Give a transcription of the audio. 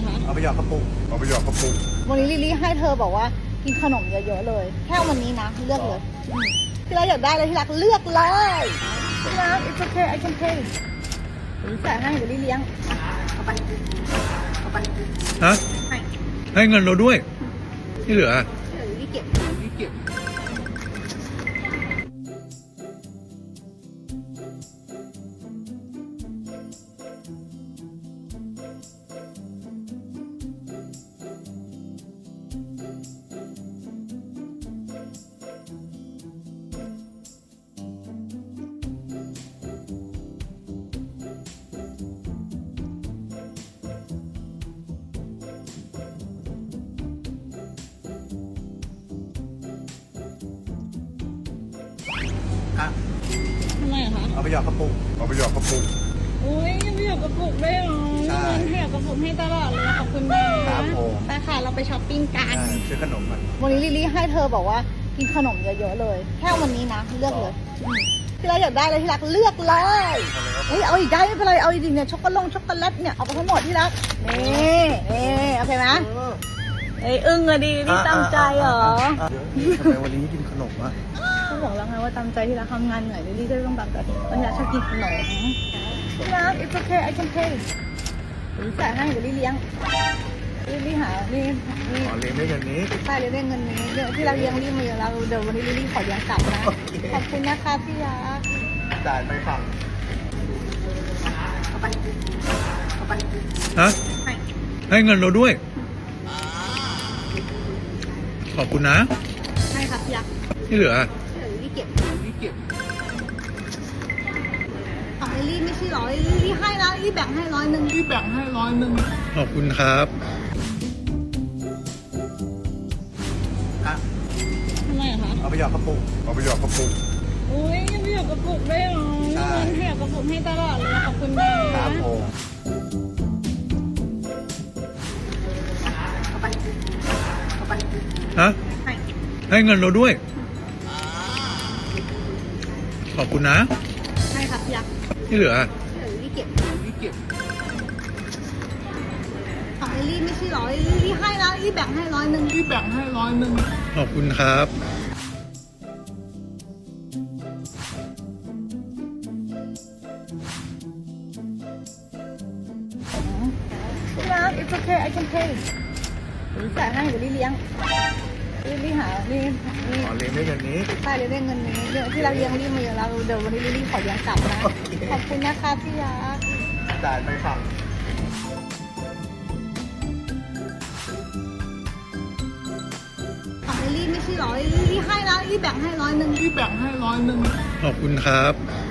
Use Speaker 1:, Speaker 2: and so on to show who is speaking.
Speaker 1: คะ
Speaker 2: เอาไปหยอดกระปุก
Speaker 1: วันนี้ลิลลี่ให้เธอบอกว่ากินขนมเยอะๆเลย แค่วันนี้นะเลือกเลยที่รักอยากได้เลยที่รักเลือกเลยที่รัก it's okay I can pay จ่ายให้เดี๋ยวลิลลี่เลี้ยงเอาไป
Speaker 3: ฮะ
Speaker 1: ให้
Speaker 3: ให้เงินเราด้วย ที่เหลือ
Speaker 1: เดี๋ยวลิลลี่เก็บ
Speaker 2: อ่ะ
Speaker 1: ทำไมอะคะ
Speaker 2: เอาไปหยอดกระปุก
Speaker 1: อุ้ยยังไม่อยากกระปุกได้หรอ
Speaker 2: ใช่
Speaker 1: ให้อยากกระปุกให้ตลอดเลยขอบคุณนะครับ
Speaker 2: ผม
Speaker 1: ไปค่ะเราไปช้อปปิ้งกัน
Speaker 2: ซื้อขนมมัน
Speaker 1: วันนี้ลิลลี่ให้เธอบอกว่ากินขนมเยอะๆเลย แค่วันนี้นะเลือกเลยที่รักอยากได้เลยที่รักเลือกเลยเฮ้ยเอาอีกได้ไม่เป็นไรเอาอีกดิเนี่ยช็อกโกแลตเนี่ยเอาไปทั้งหมดที่รักนี่โอเคไหมเอ้ยอึ้งอะดินี่ตั้งใจเหรอ
Speaker 2: ทำไมวันนี้กินขนมอ่ะ
Speaker 1: เขาบอกแล้วไงว่าตั้งใจที่รักทำงานเหนื่อยลิลลี่ก็ต้องตั้งใจวันนี้รักชอบกินขนมที่รัก it's okay I can pay จ่ายให้เดี๋ยวลิลลี่เลี้ยงลิลลี่หานี่
Speaker 2: อ๋อเลี้ยงด้วยเงินนี้
Speaker 1: ใช่เลยได้เงินนี้เดี๋ยวที่เราเลี้ยงรีบมาเยอะแล้วเดี๋ยววันนี้รีบขอเลี้ยงกลับนะ
Speaker 2: โอเค
Speaker 1: ขอบคุณนะคะพี่ยา
Speaker 2: จ่ายไปฝั่ง
Speaker 1: เอาไป
Speaker 3: ฮะ
Speaker 1: ให้
Speaker 3: ให้เงินเราด้วย ขอบคุณนะ
Speaker 1: ให้ครับพี่ยา
Speaker 3: ที่เหลือ
Speaker 1: เดี๋ยวรีบเก็บของรีบไม่ใช่หรอรีบให้นะรีบแบ่งให้100
Speaker 3: ขอบคุณครับ
Speaker 2: อ่ะ
Speaker 1: ทำไมอะคะ
Speaker 2: เอาไปหยอดกระปุก
Speaker 1: อุ้ยยังไม่อยากกระปุกได้หรอ
Speaker 2: ใช่
Speaker 1: ให้อยากกระปุกให้ตลอดเลยขอบคุณนะครับ
Speaker 2: ผม
Speaker 3: ฮะ
Speaker 1: ให้
Speaker 3: ให้เงินเราด้วย ขอบคุณนะ
Speaker 1: ให้ครับพี่ยา
Speaker 3: ที่เหลือ
Speaker 1: เดี๋ยวรีบเก็บของรีบไม่ใช่หรอรีบให้นะรีบแบ่งให้100
Speaker 3: ขอบคุณครับ
Speaker 1: ที่รัก it's okay I can pay จ่ายให้เดี๋ยวลิลลี่เลี้ยงลิลลี่หานี่
Speaker 2: อ๋อเลี้ยงด้วยเงินนี้
Speaker 1: ใช่เลยได้เงินนี้เดี๋ยวที่เราเลี้ยงรีบมาเยอะแล้วเดี๋ยววันนี้รีบขอเลี้ยงกลับนะ
Speaker 2: โอเค
Speaker 1: ขอบคุณนะคะพี่ยา
Speaker 2: จ่ายไปฝั่ง
Speaker 1: ของรีบไม่ใช่หรอรีบให้นะรีบแบ่งให้100
Speaker 3: ขอบคุณครับ